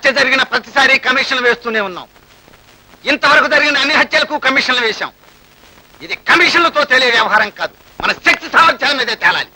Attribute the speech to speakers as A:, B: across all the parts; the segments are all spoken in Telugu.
A: హత్య జరిగిన ప్రతిసారి కమిషన్లు వేస్తూనే ఉన్నాం. ఇంతవరకు జరిగిన అన్ని హత్యలకు కమిషన్లు వేశాం. ఇది కమిషన్లతో తెలియ వ్యవహారం కాదు, మన శక్తి సామర్థ్యాల మీదే తేలాలి.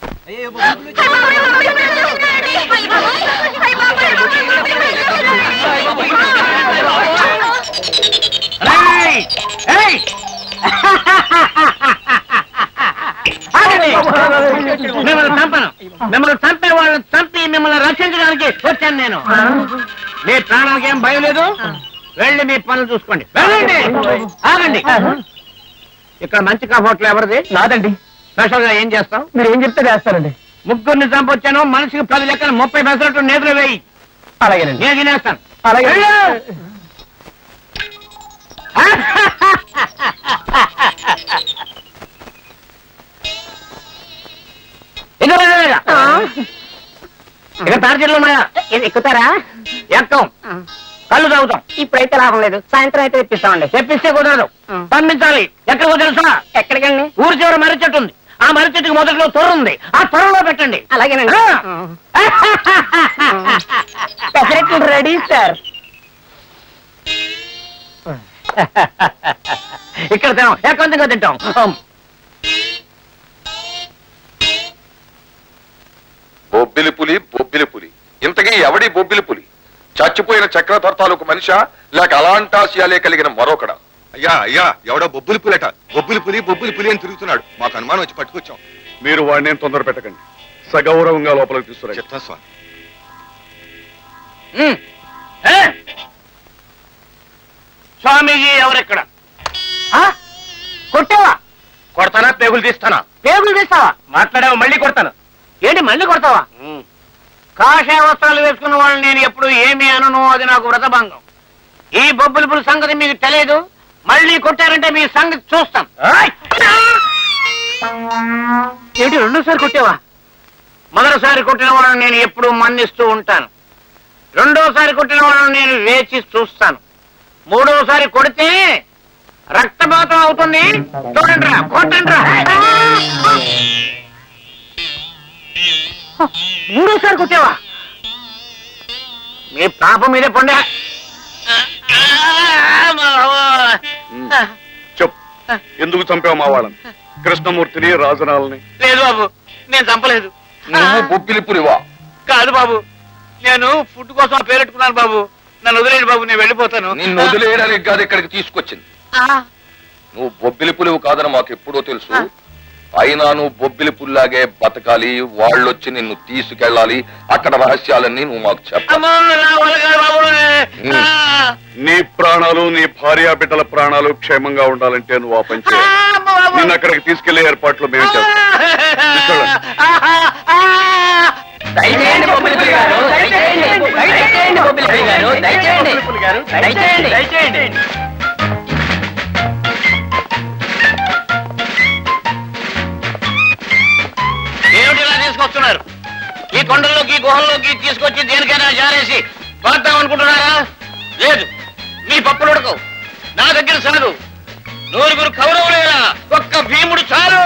B: మిమ్మల్ని చంపే వాళ్ళని చంపి మిమ్మల్ని రక్షించడానికి వచ్చాను నేను. మీ ప్రాణానికి ఏం భయం లేదు, వెళ్ళి మీ పనులు చూసుకోండి. వెళ్ళండి. ఆగండి. ఇక్కడ మంచి హోటల్ ఎవరిది? నాదండి. స్పెషల్ గా ఏం చేస్తాం? మీరు ఏం చెప్తే చేస్తారండి. ముగ్గురిని చంపొచ్చాను, మనిషికి 10 లెక్కలు 30 పెసరట్టు నేతలు వేయి. అలాగేనండి, నేను తినేస్తాను. అలాగే. ఇక తార్జీలు ఉన్నాయా? ఎక్కుతారా? ఎక్కం. కళ్ళు తాగుతాం. ఇప్పుడైతే లాభం లేదు, సాయంత్రం అయితే తెప్పిస్తామండి. తెప్పిస్తే కుదరదు, పంపించాలి. ఎక్కడికో తెలుసా? ఎక్కడికండి? ఊరి చివర మర్రి చెట్టు ఉంది, ఆ మర్రి చెట్టుకి మొదట్లో తొర్ర ఉంది, ఆ తొర్రలో పెట్టండి. అలాగేనండి. పెసరెట్లు రెడీ సార్. ఇక్కడ తినాం, ఏకాంతంగా తింటాం.
C: బొబ్బిలి పులి, బొబ్బిలి పులి. ఇంతకీ ఎవడి బొబ్బిలి పులి? చచ్చిపోయిన చక్రధర్ తాలూకు మనిషా, లేక అలాంటాశయాలే కలిగిన మరొకడా?
D: అయ్యా అయ్యా, ఎవడో బొబ్బులి పులట. బొబ్బులి పులి అని తిరుగుతున్నాడు. మాకు అనుమానం వచ్చి పట్టుకొచ్చాం.
C: మీరు వాడిని ఏం తొందర పెట్టకండి, సగౌరవంగా లోపలికి తీసుకురా.
D: చెప్తాను స్వామి.
B: స్వామీజీ ఎవరెక్కడ? కొట్టావా? కొడతానా? పేగులు తీస్తానా? పేగులు తీస్తావా? మాట్లాడావా? మళ్ళీ కొడతాను. ఏంటి మళ్ళీ కొడతావా? కాషాయ వస్త్రాలు వేసుకున్న వాళ్ళని నేను ఎప్పుడు ఏమి అనను, అది నాకు వ్రతభంగం. ఈ బొబ్బుల పులి సంగతి మీకు తెలియదు. మళ్ళీ కొట్టారంటే మీ సంగతి చూస్తాం. ఏంటి రెండోసారి కొట్టావా? మొదటిసారి కొట్టిన వాళ్ళని నేను ఎప్పుడు మన్నిస్తూ ఉంటాను. రెండోసారి కొట్టిన వాళ్ళని నేను వేచి చూస్తాను. మూడోసారి కొడితే రక్తపాతం అవుతుంది. చూడండి రా, కొట్టండి రా. మూడోసారి కొట్టావా? మీ పాపం మీదే పండే.
C: చెప్పు, ఎందుకు చంపావు మా వాళ్ళని? కృష్ణమూర్తిని, రాజనాలని?
B: లేదు బాబు, నేను చంపలేదు.
C: నువ్వు బొబ్బిలి పులివా?
B: కాదు బాబు, నేను ఫుడ్ కోసం పేరెట్టుకున్నాను బాబు. నన్ను వదిలేడు బాబు, నేను వెళ్ళిపోతాను.
C: నిన్ను వదిలేయడానికి కాదు ఇక్కడికి తీసుకొచ్చింది. నువ్వు బొబ్బిలి పులివు కాదని మాకు ఎప్పుడో తెలుసు. అయినా నువ్వు బొబ్బిలి పుల్లాగే బతకాలి, వాళ్ళొచ్చి నిన్ను తీసుకెళ్ళాలి. అక్కడ రహస్యాలన్నీ నువ్వు మాకు చెప్పాలి. నీ ప్రాణాలు, నీ భార్యా బిడ్డల ప్రాణాలు క్షేమంగా ఉండాలంటే నువ్వు ఆ పని చేయాలి. నిన్ను అక్కడికి తీసుకెళ్లే ఏర్పాట్లు మేము చేస్తాం.
B: ఏమిటిలా తీసుకొస్తున్నారు? ఈ కొండల్లోకి, గుహల్లోకి తీసుకొచ్చి దేనికైనా జారేసి పాడతాం అనుకుంటున్నారా? లేదు, మీ పప్పులు ఉడకవు, నా దగ్గర సాగు. నూరుగురు కౌరవులేలా, ఒక్క భీముడు చాలు.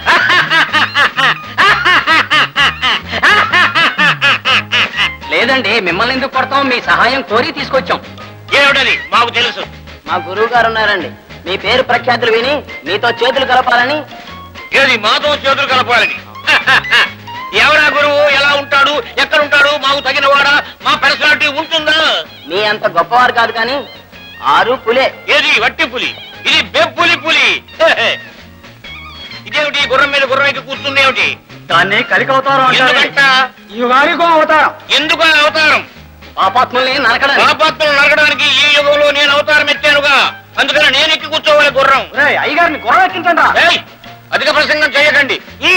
E: లేదండి, మిమ్మల్ని ఎందుకు కొడతాం? మీ సహాయం కోరి తీసుకొచ్చాం.
B: ఏమిటది? మాకు తెలుసు.
E: మా గురువు గారు ఉన్నారండి, మీ పేరు ప్రఖ్యాతులు విని మీతో చేతులు కలపాలని.
B: ఏది మాతో చేతులు కలపాలని? ఎవరా గురువు? ఎలా ఉంటాడు? ఎక్కడ ఉంటాడు? మాకు తగిన వాడా? మా పర్సనాలిటీ ఉంటుందా?
E: మీ అంత గొప్పవారు కాదు కానీ 6 పులే.
B: ఏది వట్టి పులి? ఇది బెబ్బులి పులి. ఇదేమిటి? గుర్రం మీద గుర్రం ఎక్కి కూర్చుంది ఏమిటి?
A: దాన్ని కలికి అవతారం అవతారం.
B: ఎందుకు ఆ అవతారం?
E: పాపాత్మల్ని నరకడానికి.
B: పాపాత్మలు నరకడానికి ఈ యుగంలో నేను అవతారం ఎత్తానుగా, అందుకని నేను ఎక్కి కూర్చోవాలి గుర్రం.
A: అయ్యగారిని గుర్రం ఎక్కించండి.
B: అధిక ప్రసంగం చేయకండి.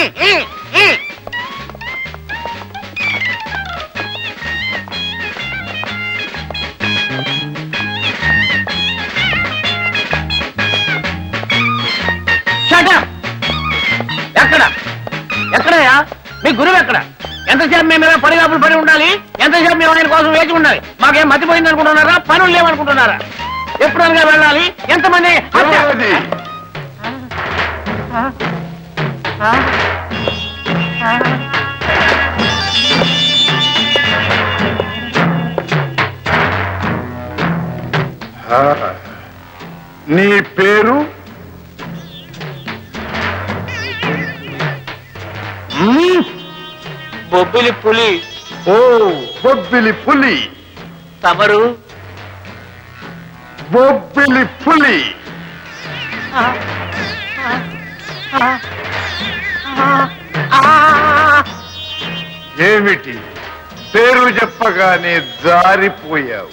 E: ఎక్కడ ఎక్కడయా మీ గురువు? ఎక్కడ? ఎంతసేపు మేము ఇలా పడిగాపులు పడి ఉండాలి? ఎంతసేపు మేము ఆయన కోసం వేచి ఉండాలి? మాకేం మతిపోయింది అనుకుంటున్నారా? పనులు లేవనుకుంటున్నారా? ఎప్పుడు అనగా వెళ్ళాలి? ఎంతమంది?
F: నీ పేరు?
E: బొబ్బిలి పులి.
F: ఓ బొబ్బిలి పులి.
E: తమరు?
F: బొబ్బిలి పులి. ఏమిటి పేరు చెప్పగానే జారిపోయావు?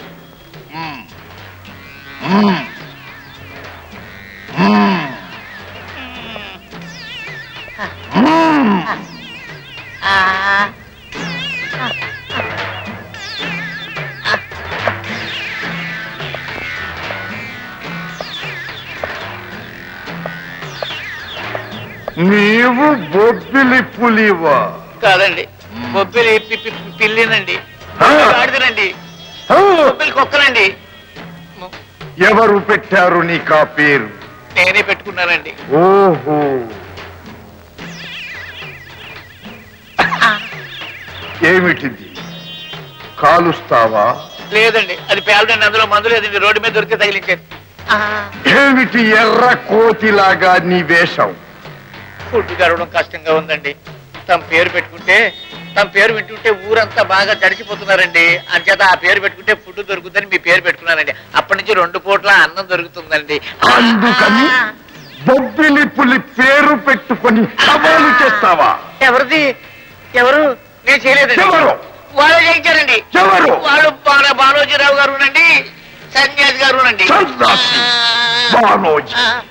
F: నీవు బొబ్బిలి పులివా?
E: కాదండి, బొబ్బిలి పిల్లినండి, ఆడిదనండి, బొబ్బిలి కుక్కనండి.
F: ఎవరు పెట్టారు నీకు ఆ పేరు?
E: నేనే పెట్టుకున్నానండి.
F: ఓహో, ఏమిటిది? కాలుస్తావా?
E: లేదండి, అది పేలడండి, అందులో మందు లేదండి, రోడ్డు మీద దొరికితే తగిలించారు.
F: ఏమిటి ఎర్ర కోతిలాగా నీ వేషం?
E: ఫుడ్ గడవడం కష్టంగా ఉందండి. తమ పేరు పెట్టుకుంటే, తమ పేరు వింటుంటే ఊరంతా బాగా తడిచిపోతున్నారండి. అంచేత ఆ పేరు పెట్టుకుంటే ఫుడ్ దొరుకుతుందని మీ పేరు పెట్టుకున్నానండి. అప్పటి నుంచి 2 పూట్ల అన్నం దొరుకుతుందండి.
F: అందుకని బొబ్బిలి పులి పేరు పెట్టుకొని సవాలు చేస్తావా?
E: ఎవరిది? ఎవరు? నేను చేయలేదండి.
F: ఎవరు?
E: వాళ్ళు చేయించారండి.
F: ఎవరు?
E: వాళ్ళు బాలోజీరావు గారు నండి, సన్యాసి గారు నండి.
F: సన్నాసి బానోజీ.